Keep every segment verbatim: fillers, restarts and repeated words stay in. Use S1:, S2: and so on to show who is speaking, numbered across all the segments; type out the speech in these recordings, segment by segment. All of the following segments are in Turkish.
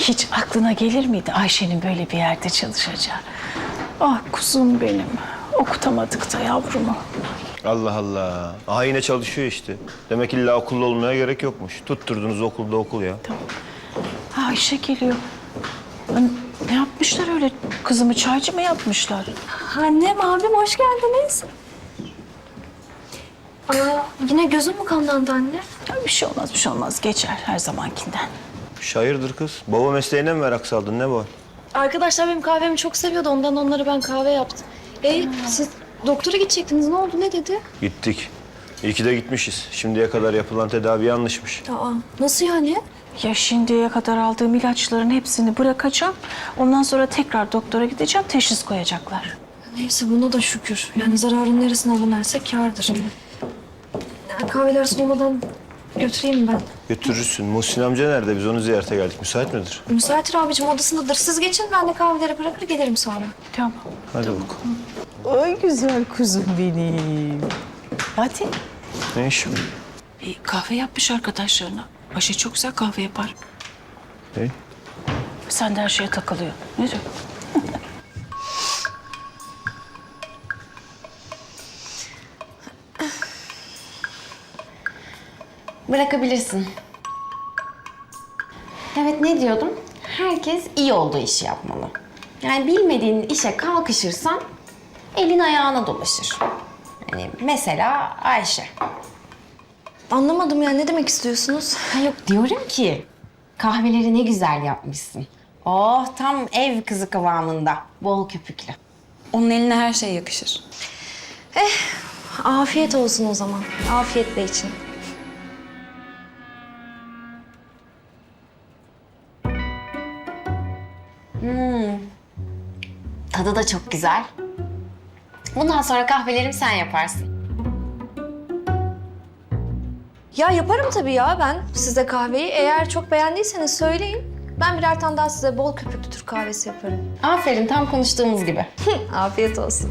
S1: Hiç aklına gelir miydi Ayşe'nin böyle bir yerde çalışacağı? Ah kuzum benim. Okutamadık da yavrumu.
S2: Allah Allah. Aha yine çalışıyor işte. Demek illa okulda olmaya gerek yokmuş. Tutturdunuz okulda okul ya.
S1: Tamam. Ha, Ayşe geliyor. Lan, ne yapmışlar öyle? Kızımı çaycı mı yapmışlar?
S3: Annem, abim hoş geldiniz. Aa, yine gözüm mü kanlandı anne?
S1: Ya bir şey olmaz, bir şey olmaz. Geçer her zamankinden.
S2: Hayırdır kız? Baba mesleğine mi merak saldın? Ne bu?
S3: Arkadaşlar benim kahvemi çok seviyordu. Ondan onlara ben kahve yaptım. E siz doktora gidecektiniz. Ne oldu? Ne dedi?
S2: Gittik. İyi ki de gitmişiz. Şimdiye kadar yapılan tedavi yanlışmış.
S3: Aa, nasıl yani?
S1: Ya şimdiye kadar aldığım ilaçların hepsini bırakacağım. Ondan sonra tekrar doktora gideceğim, teşhis koyacaklar.
S3: Neyse buna da şükür. Yani zararın neresine alınırsa kârdır. Ya, kahveler soğumadan götüreyim ben.
S2: Götürürsün. Muhsin amca nerede? Biz onu ziyarete geldik. Müsait midir?
S3: Müsaitir abicim odasındadır. Siz geçin ben de kahveleri bırakır gelirim sonra.
S1: Tamam.
S2: Hadi bakalım.
S1: Ay güzel kuzum benim. Hadi.
S2: Ne iş bu?
S1: Bir kahve yapmış arkadaşlarına. Ayşe çok güzel kahve yapar.
S2: Ne?
S1: Sen de her şeye takılıyor. Ne diyor?
S4: Bırakabilirsin. Evet, ne diyordum? Herkes iyi olduğu işi yapmalı. Yani bilmediğin işe kalkışırsan elin ayağına dolaşır. Yani mesela Ayşe.
S3: Anlamadım yani ne demek istiyorsunuz?
S4: Ha yok, diyorum ki kahveleri ne güzel yapmışsın. Oh, tam ev kızı kıvamında. Bol köpüklü.
S5: Onun eline her şey yakışır.
S3: Afiyet olsun o zaman. Afiyetle için.
S4: Tadı da çok güzel. Bundan sonra kahvelerimi sen yaparsın.
S3: Ya yaparım tabii ya ben size kahveyi. Eğer çok beğendiyseniz söyleyin. Ben birer tane daha size bol köpüklü Türk kahvesi yaparım.
S4: Aferin, tam konuştuğumuz gibi.
S3: Afiyet olsun.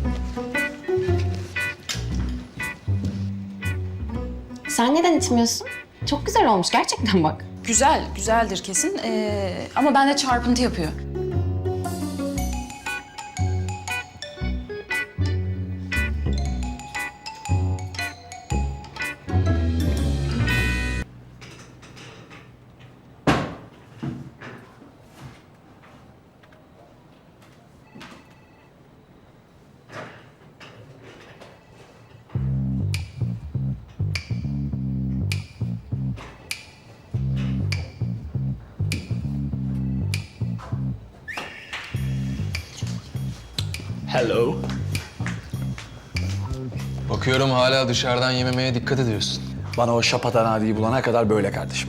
S4: Sen neden içmiyorsun? Çok güzel olmuş gerçekten bak.
S5: Güzel, güzeldir kesin. Ee, ama bende çarpıntı yapıyor.
S6: Hello.
S7: Bakıyorum hala dışarıdan yememeye dikkat ediyorsun.
S6: Bana o şapatan adiyi bulana kadar böyle kardeşim.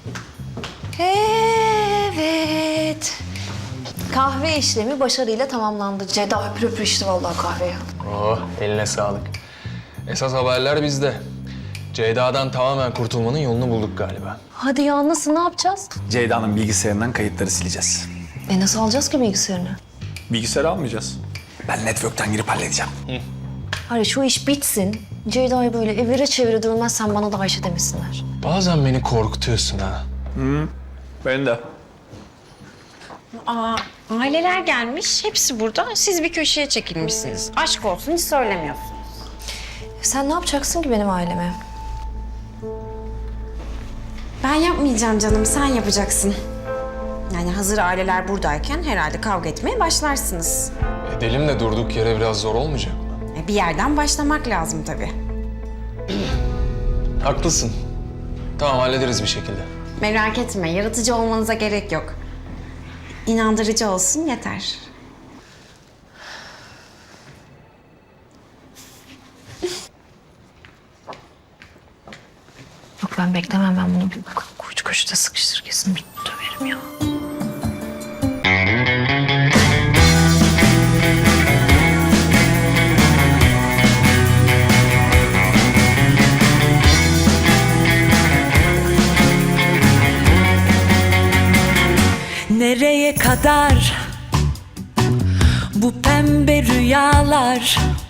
S3: Evet. Kahve işlemi başarıyla tamamlandı. Ceda öpür öpür içti vallahi kahveyi.
S7: Oh, eline sağlık. Esas haberler bizde. Ceyda'dan tamamen kurtulmanın yolunu bulduk galiba.
S3: Hadi ya nasıl ne yapacağız?
S6: Ceyda'nın bilgisayarından kayıtları sileceğiz.
S3: E nasıl alacağız ki bilgisayarını?
S6: Bilgisayarı almayacağız. Ben network'ten girip halledeceğim.
S3: Hayır şu iş bitsin. Ceyda'yı böyle evire çevire dövmezsen bana da Ayşe demesinler.
S7: Bazen beni korkutuyorsun ha.
S6: Ben de.
S4: Aa, aileler gelmiş, hepsi burada. Siz bir köşeye çekilmişsiniz. Aşk olsun, hiç söylemiyorsun.
S3: Sen ne yapacaksın ki benim aileme?
S4: Ben yapmayacağım canım, sen yapacaksın. Yani hazır aileler buradayken herhalde kavga etmeye başlarsınız.
S7: Edelim de durduk yere biraz zor olmayacak mı?
S4: E, Bir yerden başlamak lazım tabii.
S7: Haklısın. Tamam, hallederiz bir şekilde.
S4: Merak etme, yaratıcı olmanıza gerek yok. İnandırıcı olsun yeter.
S3: Yok ben beklemem ben bunu bir koç koşuda sıkıştır kesin bir döverim ya.
S8: Nereye kadar bu pembe rüyalar?